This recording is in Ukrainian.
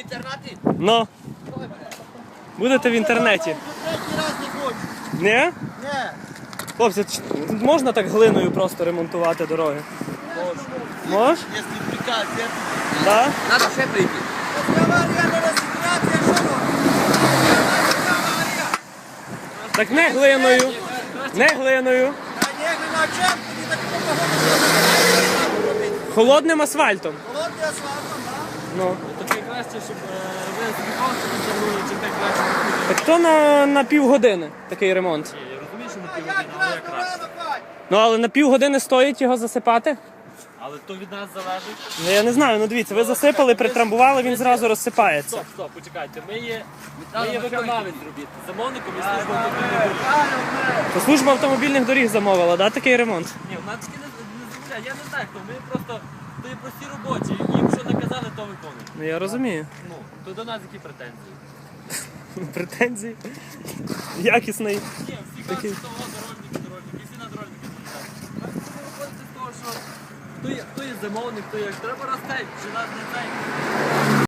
інтернеті? Ну. Будете в інтернеті. Третій раз не хочу. Ні? Не. Хлопці, тут можна так глиною просто ремонтувати дороги? Можеш? Якщо приказ, я... Так? Надо ще прийти. Так не глиною. Не глиною. Холодним асфальтом. Холодний асфальтом, так? Ну. Таке краще, щоб ви збігався потягнули, чи так краще. Так то на півгодини такий ремонт. Я розумію, що на півгодини, але як краще. Ну але на півгодини стоїть його засипати? Але то від нас залежить. Ну я не знаю, ну дивіться, ви засипали, притрамбували, він зразу розсипається. Стоп, почекайте. Ми є виконавець робіт. Замовником і служба автомобільних доріг. То служба автомобільних доріг замовила, да, такий ремонт? Ні, в нас таки не замовляють. Я не знаю хто. Ми просто то є прості робочі. Їм що наказали, то виконують. Ну я розумію. Ну, то до нас які претензії? Претензії. Якісний. Ні, всі кажуть, що того дорожники, всі на дорожники звертаються. Ми виходити з того, що хто є замовник, хто є. Треба розстати, чи нас не цей.